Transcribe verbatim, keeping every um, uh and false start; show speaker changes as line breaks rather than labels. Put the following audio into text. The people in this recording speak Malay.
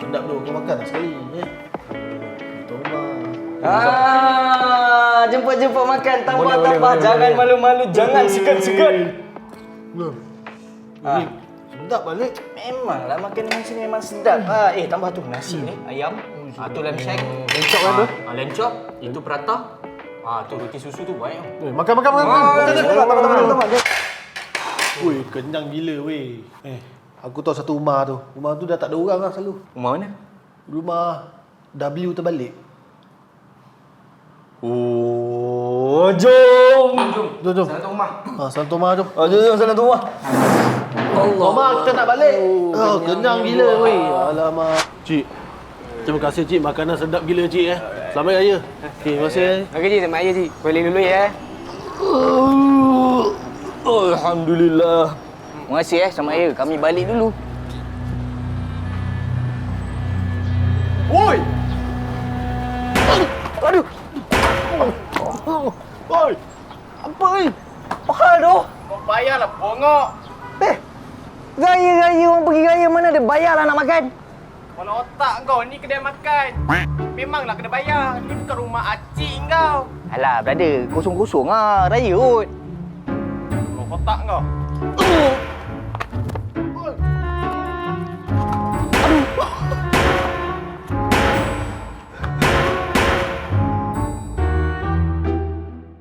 sedap tu. Kau makan sekali. Eh. Toma.
Ah, jemput-jemput makan. Tambah-tambah. Jangan malu-malu. Jangan segan-segan.
Belum.
Ah.
Ini sedap balik.
Memanglah makan dengan sini memang sedap. Ah, eh, tambah tu nasi ni, ayam. Ah, tu lamb shank.
Lencok kan tu?
Ah, lamb chop. Itu prata. Ah, tu roti susu tu banyak.
Eh, makan, makan, makan.
Ah,
Makan,
eh,
makan, makan, makan, makan.
makan.
Woi, kenyang gila weh. Eh, aku tahu satu rumah tu. Rumah tu dah tak ada orang lah selalu.
Rumah mana?
Rumah W terbalik.
Oh, jom. Jom.
Jom, jom.
Sana tu rumah.
Ha, sana Toma tu.
Oh, jom, jom sana tu rumah. Allah.
Toma, kita nak balik.
Oh,
Oh, kenyang
kenyang
gila
gila.
weh. Alamak. Cik. Terima kasih cik, makanan sedap gila cik eh. Selamat raya. Okey, terima kasih.
Okey cik, selamat raya cik. Balik dulu ya.
Alhamdulillah. Terima kasih eh, selamat raya. Kami balik dulu.
Woi!
Aduh.
Woi!
Apa ni? Apa hal tu?
Kau bayarlah bongok.
Eh, raya-raya orang pergi raya mana ada bayarlah nak makan.
Kalau otak kau ni kedai makan. Memanglah kena bayar. Ni bukan rumah acik kau.
Alah, brother, kosong-kosong ah, raya kot.
Kau otak kau.
Uh,